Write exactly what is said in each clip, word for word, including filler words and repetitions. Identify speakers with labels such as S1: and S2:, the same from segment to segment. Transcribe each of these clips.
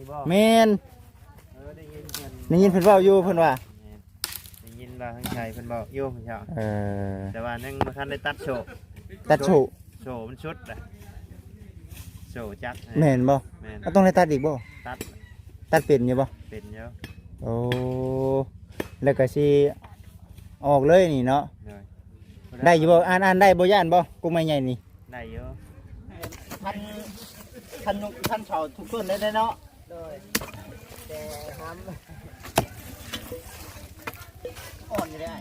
S1: บ่
S2: แม่น
S1: เออได้ยินเพิ่น
S2: ได้ยินเพิ่นเว้าอยู่เพิ่นว่า
S1: ได้ยินว่าทางชายเพิ่นบอกอยู่พี่น้อง
S2: เออ
S1: แต่ว่ายังบ่ทันได้ตัดโชว์
S2: ตัดโฉ
S1: โชว์มันชุดแหละโชว์จัก
S2: แม่นบ่
S1: แม่น
S2: ก็ต้องได้ตัดอีกบ่
S1: ตัด
S2: ตัดเป็นอยู่บ่
S1: เป็นเยอะ
S2: โอ้แล้วก็สิออกเลยนี่เนาะ
S1: เลย
S2: ได้อยู่บ่อ่านอ่านได้บ่ย่านบ่กูไม่ใหญ่นี่
S1: ได้เยอะ
S2: ท่านท่านท่านชาวทุกคนได้เนาะ
S3: โดยแต่น้ำ
S2: อ่อนอยู่ได้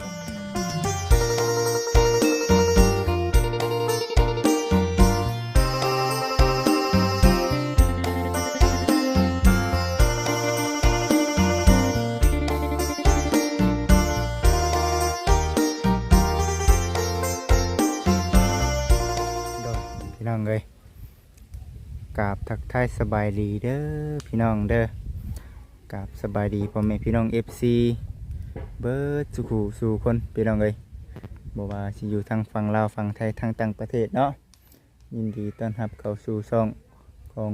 S2: พี่น้องเอ้ยกราบทักทายสบายดีเด้อพี่น้องเด้อกราบสบายดีพ่อแม่พี่น้อง เอฟ ซี เบิร์ดสุขูสู่คนพี่น้องเอ้ยบอกว่าสิอยู่ทางฝั่งลาวฝั่งไทยทางต่างประเทศเนาะยินดีต้อนรับเข้าสู่ช่องของ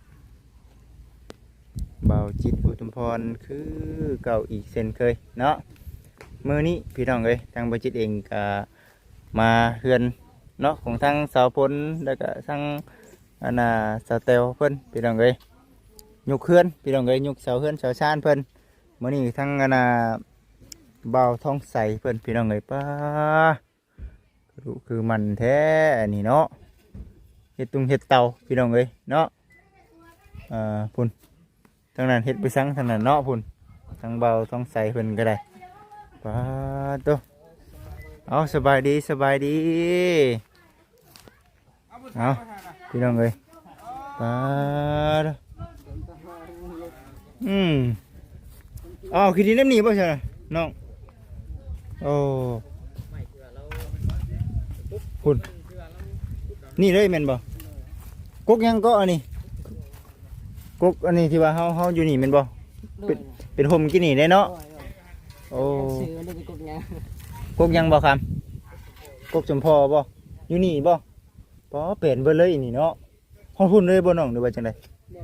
S2: เบาจิตอุทุมพรคือเก่าอีกเช่นเคยเนาะมื้อนี้พี่น้องเอ้ยทางเบาจิตเองก็มาเฮือนเนาะของทางสาวพลแล้วก็ทางอันน่ะสาวเตลเพิ่นพี่น้องเอ้ยยกเฮือนพี่น้องเอ้ยยกเสาเฮือนเสาชานเพิ่นมื้อนี้ทางอันน่ะเบาท้องใสเพิ่นพี่น้องเอ้ยป้าดูคือมันแท้นี่เนาะเฮ็ดตุงเฮ็ดเตาพี่น้องเอ้ยเนาะอ่าพุ่นทางนั้นเฮ็ดไปซังทางนั้นเนาะพุ่นทางเบาท้องใสเพิ่นก็ได้ป้าโตเอาสบายดีสบายดีเอาพี่น้องเอ้ยป้าโตอืมอ๋อคือดีน้ำหนีป่ะใช่น้องโอ้คุณนี่เลยแม่นบ่กกยังก็อันนี้กกอันนี้ที่ว่าเฮาเฮาอยู่นี่แม่นบ่เป็นเป็นห่มกินนี่ได้เนาะโอ้
S3: ซื้อได้เป็นกบยัง
S2: กกยังบ่ครับกกสมพอบ่อยู่นี่บ่ป๋อเป็นเบิดเลยนี่เนาะเฮาพุ่นเลยบ่น้องหรือว่าจังได๋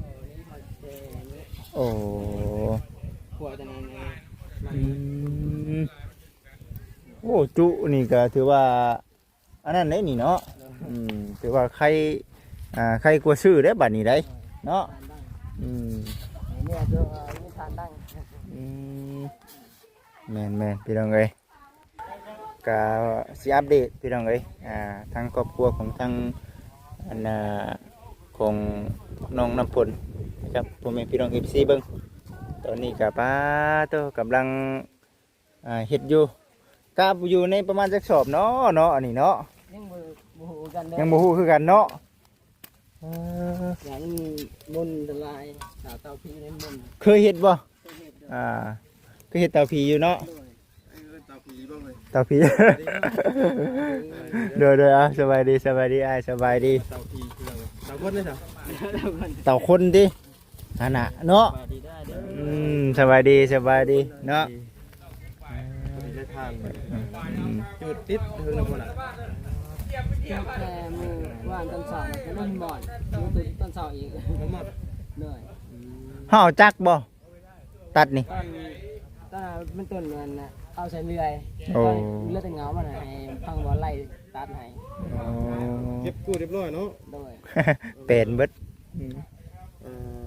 S2: โอ้
S3: หัวตอนนั้น
S2: อืมโอ้จุนี่ก็ถือว่าอันนั้นได้นี่เนาะอืมถือว่าใครอ่าใครกลัวซื้อได้บัดนี้ได้เนาะอืม
S3: เนี่ยจะมีทานดัง
S2: อืมแม่นแม่นพี่น้องเอ้ยก็สิอัปเดตพี่น้องเอ้ยอ่าทางครอบครัวของทางอันน่ะของน้องน้ำพลนะครับพ่อแม่พี่น้อง เอฟ ซี เบิ่งตอนนี้ก็ป้าโตกำลังอ่าเฮ็ดอยู่ก็อยู่ในประมาณจักสอบเนาะเนาะอันนี้เนาะ
S3: ยังบ่บ่ฮู้กันเด้
S2: ยังบ่ฮู้คือกันเนาะเออ
S3: อย่างนี้มุนละลายสาวเตาพีในมุน
S2: เคยเฮ็ดบ่อ่าเคยเฮ็ดเตาผีอยู่เนาะเตาผีเตาผี เด้อเด้ออ่ะสบายดีสบายดีอ้ายสบายดี
S1: เตาพีคืออะไรเตาคนเลยจ้ะ
S2: เต่าคนดิฮะนะเนาะ
S3: สวัสดีได้เด้อ
S2: อืมสบายดีสบายดีเนาะ
S1: ได้ทางจุดติดเพิ่งนะพุ่นอ่ะ
S3: แค่มือว่านต้นเสาก็นั่งบ่อนมือตื่นต้นเสาอีก
S1: มันหมด
S3: เหนื่อย
S2: ห่อจักบ่ตัดนี่
S3: ตอนตอนมันต้นมันน่ะเอาใส่เลื่อย
S2: โอ้
S3: เลือดแต่เงามันให้พังบ่ไล่ตัดให้
S2: อ๋อ
S1: เก็บกู้เรียบร้อยเนาะ
S3: โดย
S2: เป็นเบิด
S1: เออ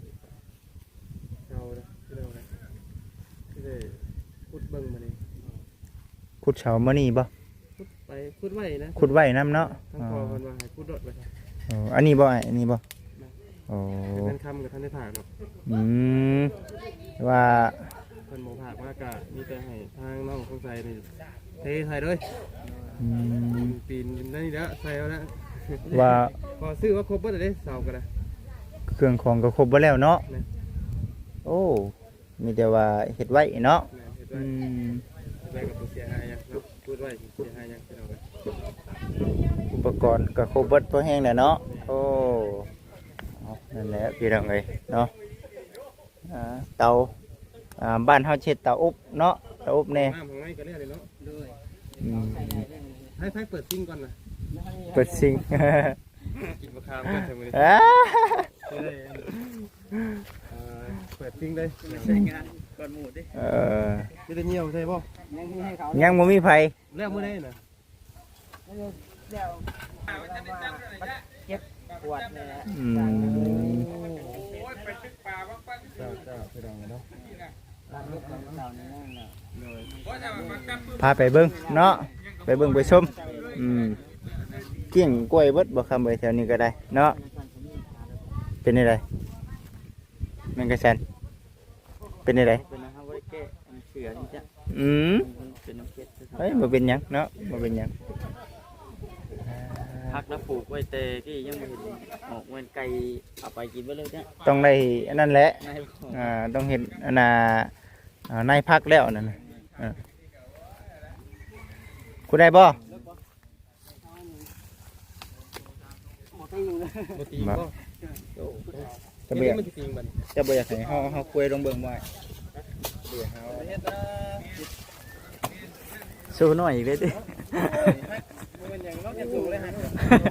S1: เอาละที่เราเลยที่ได้พูดเบิ่งมานี่
S2: ขุดเสามานี่บ่
S1: พูดไปพูดไว้นะ
S2: ขุดไว้น้ำเนาะ
S1: ทั้งพอมันว่าให้พูดรถไป
S2: อ๋ออันนี้บ่อันนี้บ่โอ้
S1: เป็นคำกับท่านได้ผ่านเนาะ
S2: อืมว่า
S1: เพิ่นบ่ผ่านมากะมีแต่ให้ทางน้องคงใส่นี่เทใส่เลย
S2: อืม
S1: ปีนนั่นนี่แล้วใส่เอาละ
S2: ว่า
S1: พอซื้อว่าครบเบิดเลยเสาก็ได้
S2: เครื่องของก็ครบบ่แล้วเนาะโอ้มีแต่ว่าเฮ็ดไว้เนาะ
S1: เฮ็ด
S2: อื
S1: ไว้
S2: ม
S1: ไว้กับเสียหายยังเนาะพูดไว้เสียหายยังพี่น้องเอ้ย
S2: อุปกรณ์ก็ครบเบิดพอแห้งแล้วเนาะโอ้เอานั่นแหละพี่น้องเอ้ยเนาะอ่าเตาอ่าบ้านเฮาเช็ดเตาอบเนาะเตาอบแน่
S1: น้ำของไอ้ก็เรียกเลยเนาะ
S3: โดย
S2: อืม
S1: ให้ให้เปิดซิงก่อนนะ
S2: เปิดซิง
S1: กินมะขามกันใช่ไหม
S2: อ่า
S1: เอ้ยเอ่อเปิดทิ้งเลย
S3: ใช้งานก่อนหมูดิ
S2: เออ
S1: จะได้เหี่ยวใช่ป่ะ
S3: ยังมีให้เขา
S2: ยังบ่มีไผ
S1: แล้วมื้อนี้น่ะ
S3: เดี๋ยวเก็บปวดเนี่ย
S2: อืม
S1: เจ้าเจ้าไปดังเนาะ
S3: ร้านลูกของเราเนี่ยนะ
S2: พาไปเบิ่งเนาะไปเบิ่งไปชมอืมเกี่ยงกล้วยเบิดบ่คำไปแถวนี้ก็ได้เนาะเป็นไดแม่งกระชันเป็นได
S3: เป็นนะครับว่าแก้เสือนี่จ้ะ
S2: อืม
S3: เป็นน้ำเค็ด
S2: เฮ้ยบ่เป็นหยังเนาะบ่เป็นหยัง
S3: พักแล้วปลูกไว้เตที่ยังไม่เห็นออกเงินไก่เอาไปกินไปเลยจ้ะ
S2: ต้องได้อันนั้นแหละ
S3: นาย
S2: อ่าต้องเห็นอันน่ะอ่านายพักแล้วนั่นน่ะอ่ากูได้บ่
S3: หมดที่อยู่เลย
S1: บ่ตีบ่
S2: จะเบีย
S1: มันสิติงบัด
S2: จะบ่อยากให้เฮาเฮาคุยลงเบิ่งบ่เบียเฮา
S1: เฮ็ดนะ
S3: สู้หน่อยอีกเลยดิ
S1: มันยังล็อกยังสูงเลยฮะ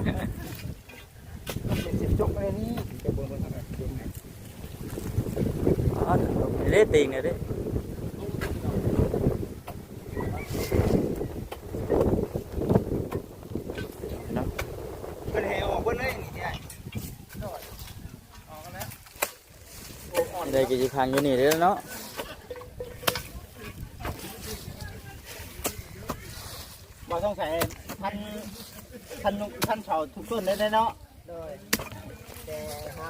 S2: จกเลยนี่จะเบิ่งเบิ่ง
S3: อ๋อเล่ตีนเนี่ยดิ
S2: เพิ่นให้ออกเบิ่งเลยนี่ได้
S3: ได้กี่พันอยู่นี่เด้อเนาะ
S2: บ่ต้องใส่พันพันนุพันเฉาทุกต้นเลยได้เนาะ
S3: โดยแต่ท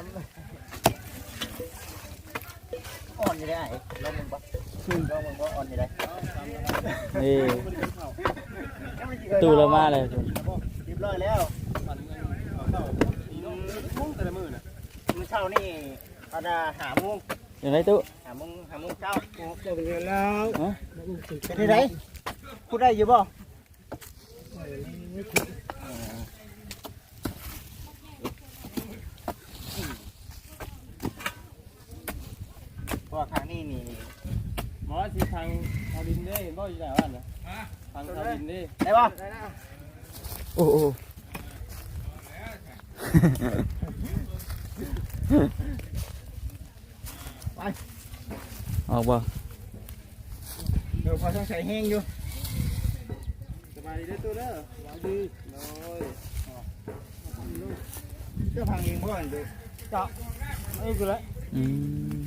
S2: อ่อนอยู่ได้ลองมึงบ่ลองมึงบ่อ่อนอยู่ได้
S3: ำนี่ตู้ละมาเลยคุณ
S2: เรียบร้อยแล้ว
S1: มุ่งแต่ละมื้อน่ะ
S2: มื้อเช้านี่เอาน่ะหาโมง
S3: อยู่ไหนตู้
S2: หาโมงหาโมงเช้า
S3: เจอกันแล้ว
S2: เป็นได้ไดพูดได้อยู่บ่เพราะว่าทางนี้นี่
S1: หมอสิทางชาวดินเด้บ่อยู่ไหนวะน่ะทางชาวดินเด้
S2: ได้บ่
S3: โอ้โห ออกบ่
S2: เดี๋ยวพอต้องใส่แห้งอยู่
S1: สบายดีเด้อตัวเด้อสบายดีโอ้ย
S2: เจ้าพังเองพ่ออันเดียว
S1: เจาะเอ้ยกูละ
S3: อืม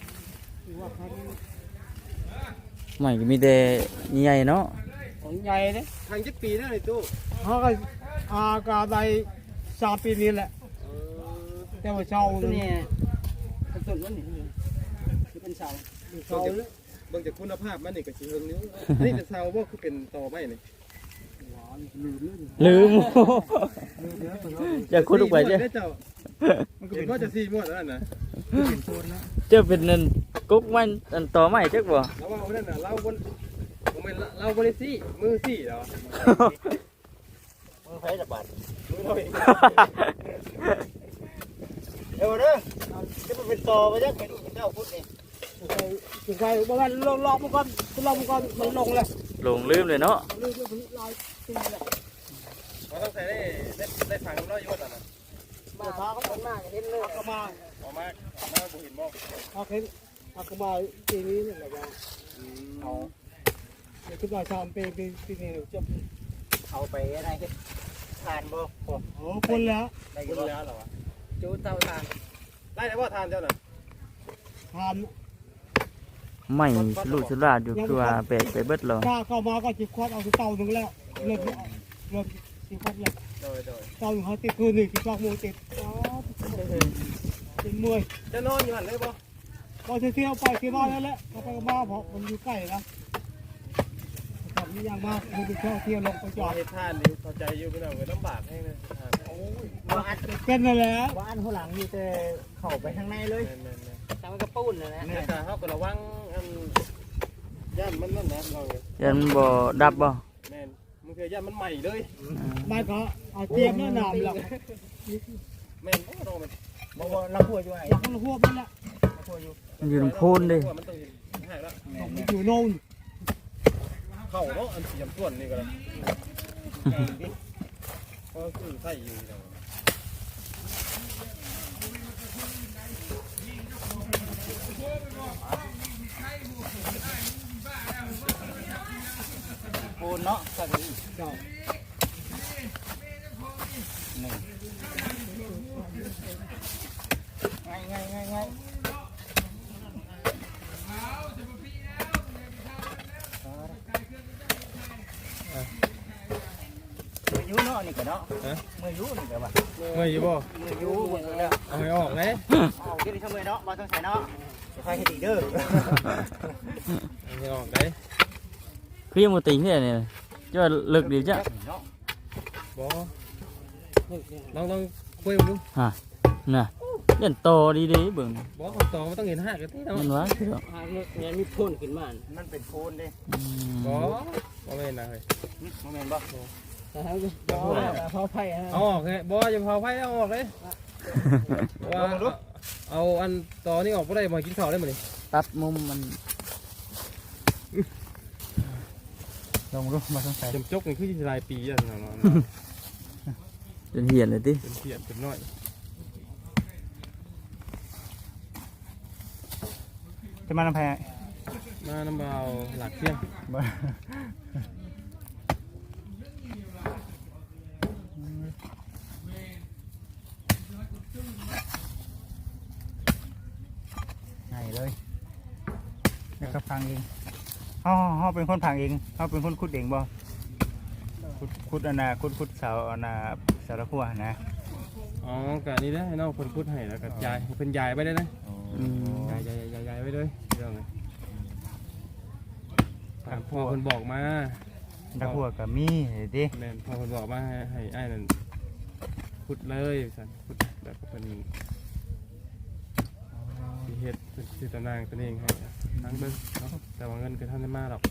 S3: ไม่ก็มีแต่ใหญ่เนาะ
S1: ของใหญ่เด้ทางจักปีแล้วนี่ตู้
S4: เขาก็อากาได้สามปีนี้แหละ
S1: เออ
S4: แต่ว่าเช้า
S3: ตัว
S4: นี่
S3: นี้เป็นต้นมันนี่คือเป็นเสา
S4: เช้าเลย
S1: เบิ่งจากคุณภาพมันนี่ก็สิเฮิงนิ้วอันนี้แต่เซาบ่คือเป็นตอไม้นี่
S3: ลืมอย่าคุดลงไป
S1: เจ้
S3: เจ้
S1: เจ้าเห็นว่าจะสี่หมวดแล้วน่ะ
S3: เจ้าเป็นนั่นกุ๊กมันอันต่อไม้จักบ่
S1: แล้วว่าวันนั้นน่ะเราบนผมเป็นเราบริสี่มือสี่เหรอ
S2: มือไฟระบาด
S1: มือเราเอง
S2: เดี๋ยวเด้อจะมาเป็นต่อไปจักเป็นเจ้าพุทธนี่
S4: ถึงใครบางวันลงลอกมันก่อนลงมันก่อนมันลงเลย
S3: หลงลืมเลยเนาะ
S4: เรื่องมันลายตีเลย
S1: เราต้องใส่ได้ได้ได้ฝังน้อยยศอ่ะนะ
S4: มาพาเขาคนมากเห็นเลยเขามา
S1: ออกมาออกมาบุหินบอก
S4: เขาเห็นเขามาปีนี้นี่แหละว่าเอาเดี๋ยวคิดว่าชาวปีปีปีนี้จบ
S2: เอาไปอะไรเฮ็ดทานบ่พอ
S4: โอ้คนแล้ว
S2: ได้อ
S1: คุ
S2: ยู่
S1: ณ
S2: บ่
S1: แล้วเหรอวะ
S3: จูเตาทาน
S1: ไล่ได้ว่าทานเจ้าน่ะ
S4: ทาน
S3: ไม่ลูกชุลาดอยู่คือว่าแปลกไปเบิดแล้ว
S4: ถ้าเข้ามาก็จิบควดเอาเต่าหนึ่งแล้วเริ่มเริ่มจิบควดแล้ว
S1: โดยโดย
S4: เต่าหนึ่งเขาติดคืนหนึ่งจิบควดมูติดเป็นมวย
S1: จะนอนอยู่หันเลยบ่
S4: พอเที่ยวไปเที่ยวมาแล้วแหละเขาไปก็มาเพราะมันอยู่ใกล้นะขับนี่ยังมากมันไปเที่ยวเที่ยวลงไปจ
S1: จ
S4: อ
S1: อ
S4: ด
S1: ดทานนี่เข้าใจอยู่พี่น้องเลยลำบากให้นะทาน
S2: บ่อัด
S4: เป็นนั่นแหละ
S2: บ่อันหัวหลังมีแต่เข้าไปข้างในเลย
S1: แม่นแม่น
S3: ทำกระปุ้นนะนะ
S1: แม่นแต่เขาก็ระวังอันย่านมันนั่นนะเราเนี่ย
S3: ยันบ่ดับบ่
S1: แม่นมันคือย่านมันใหม่เลย
S4: ไม่ก็เอาเตรียมแนะนำหลัก
S1: แม่นโอ้โหมัน
S2: บ่บ่ลำพัวอยู่ไหน
S4: หลักมันหัวมันละ
S2: ลำพัวอยู่
S3: มันอยู่ลำโพูนดิ
S1: มันต้องหายละ
S4: มันอยู่โน่น
S1: เข้าเนาะอันเสียมส่วนนี่ก็เลยก็คือใส่อยู่เนาะ
S2: นเนาะสักนี้
S4: เจ้า
S2: นี่ง่ายง่ายง่ายง่ายมือยูเนาะนี่ก็เนาะมือยูนี่ก็ว่า
S1: เมื่อยอยู่บ่
S2: มือยูหมดแล้ว
S1: เอาให้ออกเลย
S2: เอาที่นี่ทำไมเนาะมาต้องใส่เนาะจะใส่ให้ดีเด้อ
S1: เอาให้ออกเลย
S3: คือยังบ่ติงเนี่ยนี่จะลึกดีจ้ะ
S1: บ่ลองลองคุยมาดู
S3: ฮะน่ะเล่นโตดีๆเบิ่ง
S1: บ่ของตองมันต้องเห็นหักกันที่เนาะ
S3: เห็นว่าคือ
S4: หาเงินเนี่ยมีพ่นขึ้นมา
S2: มันเป็นโคนเด้
S1: บ่บ่แม่นนะเฮ้ย
S2: โมเมนต์บ่
S4: แต่เขาเขาไผ่ฮะ
S1: เอาออกเลยบ่อย่าเผาไฟเอาออกเลยว่าเอาอันตอนี้ออกบ่ได้มากินข้าวได้มื้อนี้
S3: ตัดมุมมัน
S2: ลองดูมาต้องใส่
S1: จมจกนี่คือสิหลายปีอ่ะเนาะ
S3: จนเหียนเลยติ
S1: เป็นเสียนเป็นน้อย
S2: จะมาทำไม
S1: มาน้ำเบาหลักเที่ยง
S2: ไงเลยแล้วก็พังเองอ๋อเขาเป็นคนพังเองเขาเป็นคนขุดเองบ่ขุดขุดอันน่ะขุดขุดเสาอันน่ะเสาตะกั่วนะ
S1: อ๋อกะนี่ได้ให้น้องคนพูดให้แล้วก็ยายเพิ่นยายไปได้นะ
S3: อืม
S1: ยายยายยายยายไปเลยเรื่องเลยตามพ่อเพิ่นบอกมา
S2: ตะกั่วกับมีดิ
S1: แม่นพ่อเพิ่นบอกมาให้ให้อ้ายนั่นพูดเลยสั่นพูดแบบเพิ่นสิเฮ็ดสิตารางตัวเองให้ทั้งเบิ่งเนาะแต่ว่าเงินก็ท่านได้มาหรอก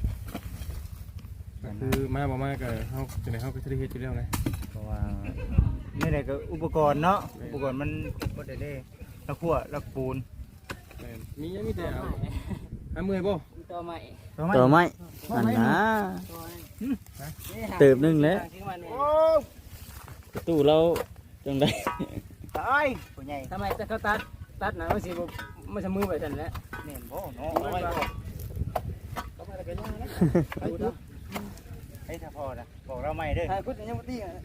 S1: ก็คือมาบ่มาก็เฮาจังได๋เฮาก็สิได้เฮ็ดอยู่แล้วไง
S2: เพราะว่านี่แหละก็อุปกรณ์เนาะอุปกรณ์มันบ่ได้ได้ตะกั่วตะปูน
S1: แม่นมียังมีแต่เอาหาเมื่อยบ่
S4: ตัวใหม่
S3: ตัวไม้อันนะเติบหนึงแล้ว
S2: โอ้
S3: ประตูเราจังได๋
S2: ตายผู้ใหญ่
S4: ทำไมแต่เขาตัดตัดหนังมันสิมันจะมือไปทันแล้ว
S2: แม่นบ่เนาะเอาไว้บ่เฮ้ยถ้าพอนะบอกเราใหม่เด้อ
S4: ไอ้พุทธยังไม่ตีอ่ะ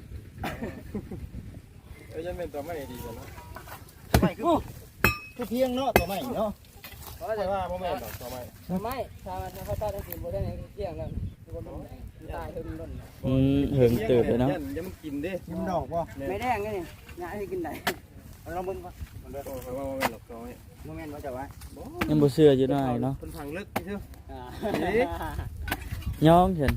S1: เอ้ยยังเป็นตัวไม่ดีกันเนาะ
S2: ใหม่คือคือเพียงเนาะตัวใหม่เนาะ
S4: เพราะ
S1: แต่
S4: แต่
S1: ว่า
S4: ว่า
S1: บ่แม่นดอกตัวไม่
S4: ไม่ถ้ามันเขาตัดทั้งสิ้นบ่ได้ในเที่ยงแล้วตายเพิ่นล้น
S3: อืมเหิงเติบเลยเนาะ
S1: ยังมันกินเด้
S2: กินดอกบ่
S4: ไม่แดงไงนี่งานให้กินได้
S2: ลองเบิ่งบ่
S1: มันเด้อโอ้ยว่าบ่แม่นดอกตัวไม่
S2: โมเมนต์ว่าจะว่า
S3: ยังบ่เชื่ออยู่หน่อยเนาะ
S1: เพิ่นพังลึกนี่เด้อ
S4: อ่า
S3: ย้องฉัน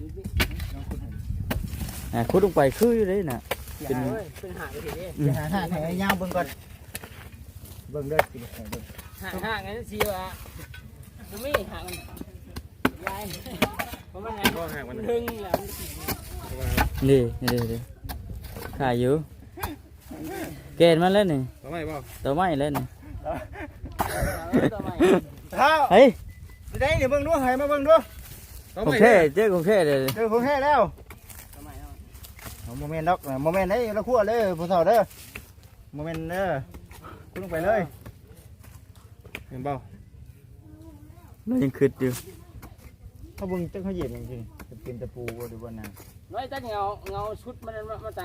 S3: อ่าขุดลงไปคืออยู่เด้น่ะ
S4: เป็นเป็นหางไปทีนี้
S2: จะหาหาให้ยาวเบิ่งก่อนเบิ่งเด้อกินให้เบิ่ง
S4: หางหางงั้นสิว่าบ่มีหางมันยายเพราะมันไง
S1: ก็ห่างมัน
S4: ดึงแล้ว
S3: นี่นี่นี่ขายอยู่เกณฑ์มาแล้วนี่
S1: ตัวไม่บ่
S3: ตัวไม้แล้วนี่
S4: ตัวใหม่
S2: เท้า
S3: เฮ้ย
S2: ได้เดี๋ยวเบิ่งดูให้มาเบิ่งดู
S1: ตัว
S3: โอ
S1: ไม่
S3: เคเจ๊โอเคเลย
S2: เจอของแท้แล้ว
S4: ตัวใหม่
S2: โมเมนต์ดอกโมเมนต์ได้ละคั่วเลยผู้สาวเด้อโมเมนต์เด้อคุณลงไปเลย
S1: เห็นบ่
S3: เรายังคิดอยู่
S2: เขาเบิ่งจังเขาเหยียบจริงๆจะเป็นตะปูบ่หรือว่าหนัง
S4: น้อยตั้งเงาเงาชุดมันมาตั้ง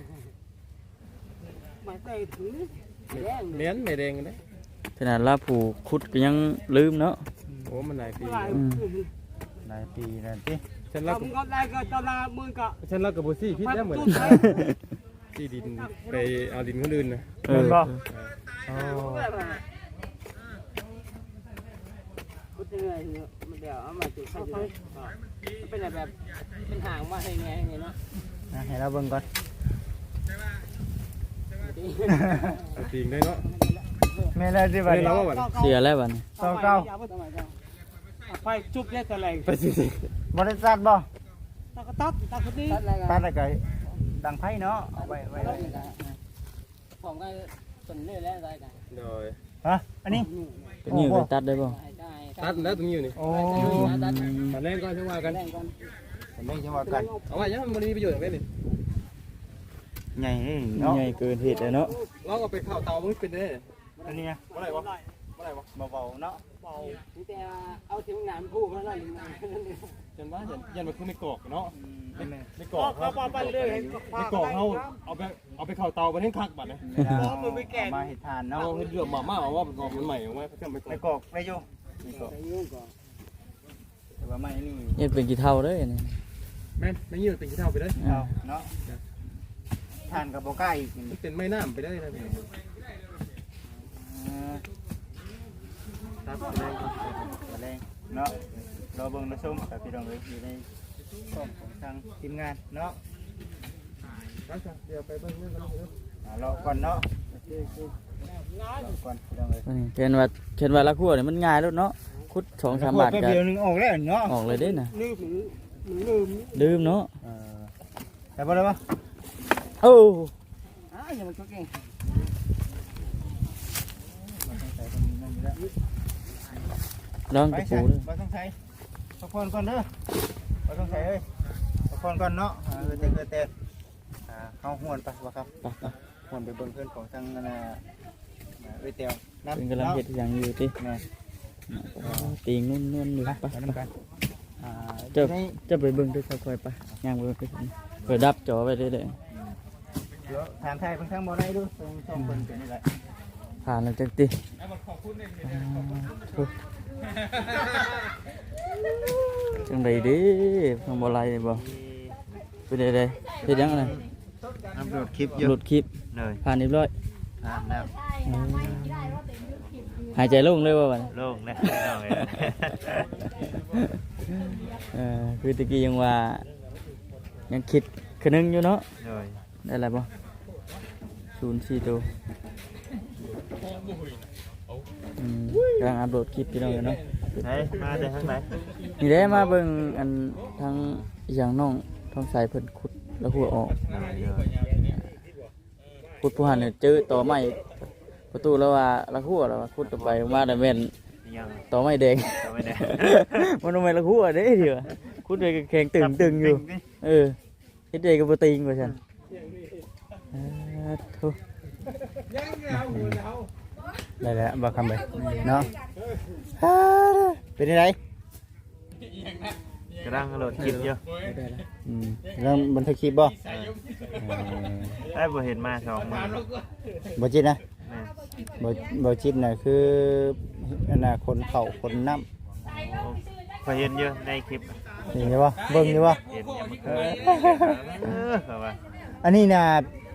S4: ไม่ใส่ถุงแดง
S1: เหรียญไม่แดงเด้
S3: ขนาดลาผูขุดก็ยังลืมเนาะ
S1: โอ้มันหลายปี
S2: หลายปีแล้วติ
S1: ฉันรัก
S4: ทำก็ได้ก็จะลามือก็
S1: ฉันรักกับบ่ซี่พิษได้เหมือนที่ดินไปเอาดินคนอื่นนะ
S3: เออ
S2: อ๋อ
S4: พูดยังไงเนี่ยมันเดี๋ยวเอามาจุดใส่จุดเป็นแบบเป็นหางมาให้ไงเนาะ
S2: นะให้เราเบิ่งก่อน
S1: เอาจริงได้เนาะ
S2: แม่นแล้วสิบัด
S1: เฮ้ย
S2: นี้
S1: เราว่าบัด
S3: เสียแล้วบัดนี้
S2: เก้าเก้า
S4: ไปจุบได้แต่แรง
S1: ไปสิสิ
S2: บริษัทบ่
S4: ตักตักตักคนนี้
S2: ตัดแล้วก็ดังไพ่เนาะเอาไว้ไว้ไว้
S4: ผมก็สนเรื่อยแล้วได้กัน
S1: โดย
S2: ฮะอันนี้
S3: ตัวนี้ไปตัดได้ป่ะ
S4: ได้
S1: ตัดแล้วตรงนี้อยู่นี่
S2: โอ้
S4: ตัด
S1: ตัดแรงก็ช่ว่ากัน
S4: แรงกัน
S2: ไม่ใช่ว่ากัน
S1: เอาไว้ยังมันมีประโยชน์อย่างไรนี่
S2: ใหญ่เนาะ
S3: ใหญ่เกินเหตุเลยเนาะ
S1: เราเอาไปข้าวเตามันเป็นได้
S2: อันนี้
S1: อะไรวะ
S2: เบาๆเนาะ
S4: เบา
S3: นี่แต่เอาถึงหนามผู้เขาแล้วหรือไงนั่นเอง
S1: ยันว่ายันยันมันคือไม่กรอกเนาะ
S2: อืมแม่
S1: ไม่ก
S4: ก็
S1: รอก
S4: เขาไปเรื่อยเห็น
S1: ไม่กรอกเขาเอาไปเอาไปเข้าเตาไปให้คักบัดเลย
S2: เวลาเอามาเฮ็ดทานเนาะ
S1: เอาให้เดือดมาม่าว่าเป็นกรอกมันใหม่ออกมาเขาจะไม่กร
S2: ไป
S1: อก
S2: กอกไปอยู่ไปกอก
S3: ไปยุ่งก่อน
S2: แต่ว่าไม่นี่
S5: เฮ็ดเป็นกี่เท่าเด้อนี่
S1: แม่นไม่ยืดเป็นขี้เท่าไปเลย
S2: เอาเนาะทานกับบ่กล้าอีกนี่
S1: มันเป็นไม้น้ำไปได้นะพี่
S2: อ่า
S1: ครับไปได้
S2: แมลงเนาะรอเบิ่งรอชมกับพี่น้องเอ้ยอยู่ในช่องของทางทีมงานเนาะ
S1: ครับเดี๋ยวไปเบิ่งเรื่องกันเลย
S2: อ่ารอก่อนเนาะรอก่อนพี่น้องเอ้ย
S5: เขียนว่าเขียนว่าละครัวนี่มันง่ายแล้วเนาะคุดสองสามบาท
S2: แป๊บ
S5: ก็
S2: เดียวหนึงออกแล้วเนาะ
S5: ออกเลยเด้น่ะ
S3: ลืมหรือหรือลืม
S5: ลืมเนาะ
S2: เออแต่บ่ได้ปะ
S5: โอ้
S3: อ้าวอย่ามันก็เก่ง
S5: ลอง
S2: ไป
S5: กระ
S2: ใส่
S5: ปูเด้อ
S2: บ่ต้องใส่พักผ่อนก่อนเด้อบ่ต้องใส่เอ้ยพักผ่อนก่อนเนาะเออแต่เกิดแต่อ่าเข้าห้วนไปบ่ครับ
S5: ไปไป
S2: ห้วนไปเบิ่งเพื่อนของทางนั่นน่ะอ่าเอ้ยเตียวนํ
S5: เป็นกำลังเฮ็ดอย่างอยู่ติ
S2: แม่
S5: ตีงนุ่นๆอยู่
S2: ไป
S5: ไป
S2: ไปนํกันอ่า
S5: เจ้า
S2: ใน
S5: จะไปเบิ่งด้วยค่อยๆไปย่างไปไปเปิดดับจอไว้เด้อ
S2: เดี๋ยวถามไทยเพิ่นทางบ่ได้ดูตรงช่องเพิ่นเป็นนี่แหละ
S5: ๆผ่านแล้วจังติจังไดเด้ทางบ่ไหลบ่เป็นไดเด้เฮ็ดหยังไง
S2: อัปโหลดคลิปอยู่
S5: หลุดคลิป
S2: เลย
S5: ผ่านเรียบร้อย
S2: อ่านแล้ว
S5: หายใจโล่งเลยว่าบัดนี้
S2: โล่งแล้วน้องเอ้ย
S5: เออคือตะกี้ยังว่ายังคิดคือนึงอยู่เนาะ
S2: เลย
S5: ได้อะไรบ่ศูนย์สี่ตัวอืมกำลังอัปโหลดคลิปพี่น้องอยู่เนาะ
S2: ไหนมาได้ทางไหน
S5: นี่ได้มาเบิ่งอันทางอหย่างน้องท้องสายเพิ่นขุดแล้วหัวออกขุดผู้หันเนี่ยเจอต่อไม้ประตูแล้วว่าละหัวแล้วว่าขุดต่อไปมาได้แม่น
S2: ยัง
S5: ต่อไม้แดง
S2: เอาไม่ได้
S5: มันทำไมละหัวเด้เดี๋ยวขุดไปแข็งตึงตึงอยู่เออเฮ็ดได้ก็บ่ติงว่าซั่นอ่าโธ่
S2: ได้แล้วบ่คำไปเนาะเป็นยังไงกำลังโหลดคลิปอยู่
S5: ได้แล้ว
S2: อืมกำลังบันทึกคลิปบ่
S6: ได้บ่เห็นมาสองมา
S2: บ่จิตนะ
S6: แม่
S2: บ่บ่จิตน่ะคืออันน่ะคนเข่าคนน้
S6: พอเห็นอยู่ในคลิป
S2: ำนี่ใช่บ่เบิ่งอยู่บ่
S6: เห็นอยู่มันเคยเออเขาว่า
S2: อันนี้น่ะ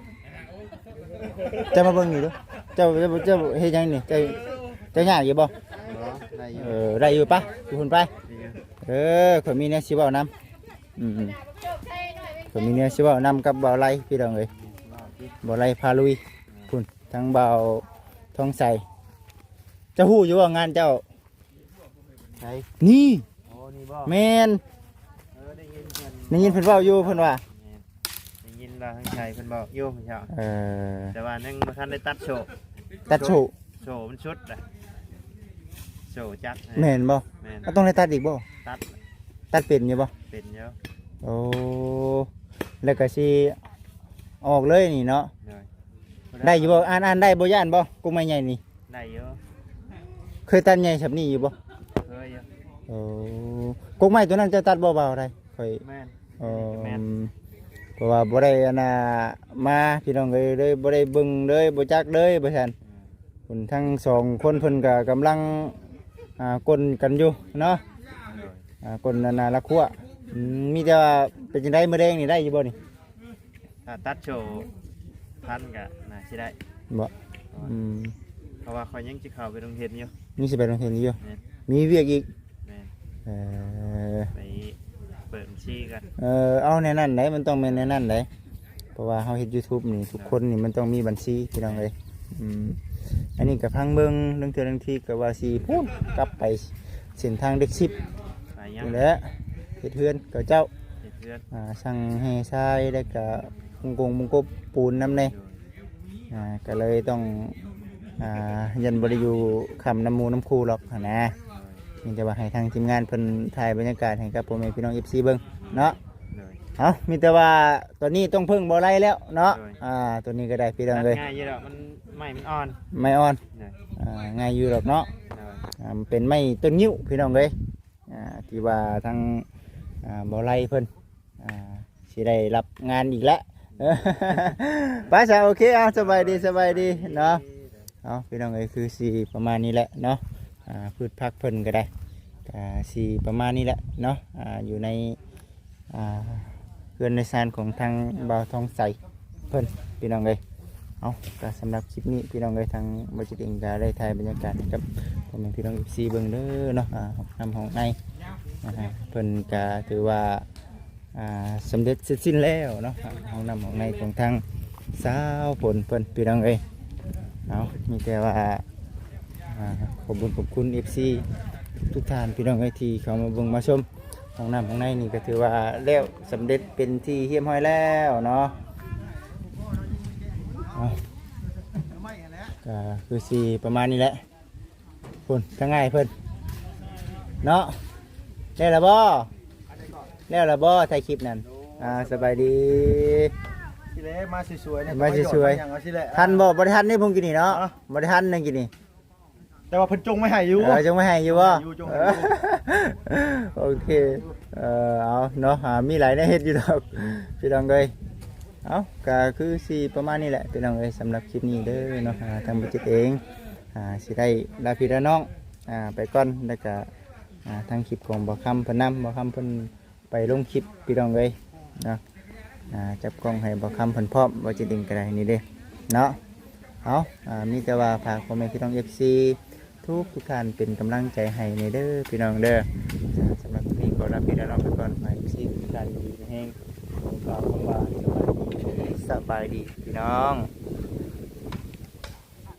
S2: จะมาเบิ่งอยู่เด้อเจ้าเจ้าเจ้าเฮ็ดหยังนี่เจ้าเจ้ายากอยู่บ่
S6: ได้อยู่
S2: เออได้อยู่ปะอยู่พุ่นไป
S6: ดีอยู่
S2: เออข่อยมีแนวสิเว้านำอืมๆข่อยมีแนวสิเว้านำกับบ่าวไร่พี่น้องเอ้ยบ่าวไร่พาลุยพุ่นทั้งบ่าวทองใสเจะฮู้อยู่ว่างานเจ้า
S6: ใช่
S2: นี่
S6: โอ้นี่บ่
S2: แม่น
S6: เออได้ยินเพิ่น
S2: ได้ยินเพิ่นเว้าอยู่เพิ่นว่า
S6: ได้ยินว่าทางชายเพิ่นบอกอยู่เพิ่นเจ้า
S2: เออ
S6: แต่ว่ายังบ่ทันได้ตัดโชว์
S2: ตัดโชว์
S6: โชว์มันชุดอ่ะโชว์จัก
S2: แม่นบ่
S6: แม่น
S2: ก็ต้องได้ตัดอีกบ่
S6: ตัด
S2: ตัดเป็นอยู่บ่
S6: เป็นอยู่
S2: โอ้แล้วก็สิออกเลยนี่เนาะ
S6: เลย
S2: ได้อยู่บ่อ่านอ่านได้บ่ย่านบ่กูไม่ใหญ่นี่
S6: ได้อยู่
S2: เคยตัดใหญ่แบบนี้อยู่บ่
S6: เคยอยู่
S2: โอ้กกไม้ตัวนั้นจะตัดเบาๆได้ค่อย
S6: แม่น
S2: เออ
S6: แม่น
S2: เพราะว่าบ่ได้อันน่ะมาพี่น้องเอ้ยเลยบ่ได้เบิ่งเลยบ่จักเลยบ่ซั่นคนทั้งสองคนเพิ่นก็กำลังอ่ากลนกันอยู่เนาะ
S6: เลย
S2: อ่ากลนานาละคั่วอืมมีแต่ว่าเป็นจังได๋มื้อแดงนี่ได้อยู่บ่นี่
S6: ถ้าตัดโชว์พันก็น่าสิได้
S2: บ่อืม
S6: เพราะว่าเขายังสิเข้าไปโรงเรียนอยู่
S2: มีสิไปโรงเรียนอยู่
S6: แม่น
S2: มีเวียกอีก
S6: แม่น
S2: เออ
S6: ไปเปิดบัญชีกัน
S2: เออเอาในนั้นได้มันต้องเป็นในนั้นได้เพราะว่าเฮาเฮ็ด YouTube นี่ทุกคนนี่มันต้องมีบัญชีพี่น้องเอ้ยอืมอันนี้ก็พังเบิ่งเรื่องเทื่อเรื่องที่ก็ว่าสิพูดกลับไปเส้นทางเด็กสิบ
S6: ไปยัง
S2: นี่แหละเฮ็ดเฮือนกับเจ้า
S6: เฮ็ดเพื่อน
S2: อ่าสั่งแห่ทรายแล้วก็มุงกงมุงกบปูนนำแน่
S6: อยู่
S2: อ่าก็เลยต้องอ่ายันบ่ได้อยู่คำน้ำหมูน้ำคูหรอกหั้นนะนี่จะว่าให้ทางทีมงานเพิ่นถ่ายบรรยากาศให้กับพ่อแม่พี่น้อง เอฟ ซี เบิ่งเนาะ
S6: เลย
S2: เอามีแต่ว่าตอนนี้ต้องพึ่งบ่อไรแล้วเนาะ อ่า ตัวนี้ก็ได้พี่น้อง
S6: ตัด
S2: เลย
S6: ง่ายอยู่แล้วมันไม่มันอ่อน
S2: ไม่อ่อน
S6: เลย
S2: ออ่าง่ายอยู่หรอกเนาะอ่ามันเป็นไม้ต้นงิ้วพี่น้องเลยอ่าที่ว่าทางอ่าบ่อไร่เพิ่นอ่าสิได้รับงานอีกแล้ว ไปซะโอเคเอาสบายดีสบายดีเนาะเอาพี่น้องเอ้ยคือสีประมาณนี้แหละเนาะอ่าพืชผักเพิ่นก็ได้อ่าสีประมาณนี้แหละเนาะอ่าอยู่ในอ่าเรือนในซานของทางบ่าวทองใสเพิ่นพี่น้องเอ้ยเอาก็สำหรับคลิปนี้พี่น้องเอ้ยทางบริษัทเองก็ได้ถ่ายบรรยากาศให้กับพ่อแม่พี่น้อง เอฟ ซี เบิ่งเด้อเนาะอ่าห้องน้ำห้องในอ่าเพิ่นก็ถือว่าอ่าสำเร็จเสร็จสิ้นแล้วเนาะห้องน้ำห้องในของทางสาวฝนเพิ่นพี่น้องเอ้ยเอามีแต่ว่าอ่าขอบคุณขอบคุณ เอฟ ซี ทุกท่านพี่น้องเอ้ยที่เข้ามาเบิ่งมาชมห้องน้ำห้องในนี่ก็ถือว่าแล้วสำเร็จเป็นที่เรียบร้อยแล้วเนาะเอาก็คือสีประมาณนี้แหละคุณทั้งง่ายเพิ่นเนาะได้แล้วบ่แล้วแล้วบ่ถ่ายคลิปนั่นอ่าสบายดี
S6: สิเล่มาสวยๆเนี่ย
S2: มาสวย
S6: อย่างเอาสิแหละ
S2: ๆทันบ่บ่ได้ทันนี่ผมกินนี่เนาะบ่ได้ทันนั่นกินนี่
S6: แต่ว่าเพิ่นจงไม่ให้อยู่
S2: เออจงไม่ให้อยู่บ่
S6: อยู่จงให้อยู่
S2: โอเคเออเอาเนาะหามีหลายแนวเฮ็ดอยู่ดอกพี่น้องเอ้ยเอาก็คือสิประมาณนี้แหละพี่น้องเอ้ยสำหรับคลิปนี้เด้อเนาะอ่าทางบัจิตเองอ่าสิได้ลาพี่ลาน้องอ่าไปก่อนแล้วก็อ่าทางคลิปของบ่คำเพิ่นนำบ่คำเพิ่นไปลงคลิปพี่น้องเอ้ยเนาะอ่าจับกล้องให้บ่คำเพิ่นพร้อมบ่จิตเองก็ได้นี่เด้เนาะเอาอ่ามีแต่ว่าฝากพ่อแม่พี่น้อง เอฟ ซี ทุกทุกท่านเป็นกำลังใจให้ในเด้อพี่น้องเด้อสำหรับวันนี้ขอลาพี่ลาน้องไปก่อนไปซีทุกท่านดีแห้งขอกล่าวคำว่าสบายดีสบายดีพี่น้อง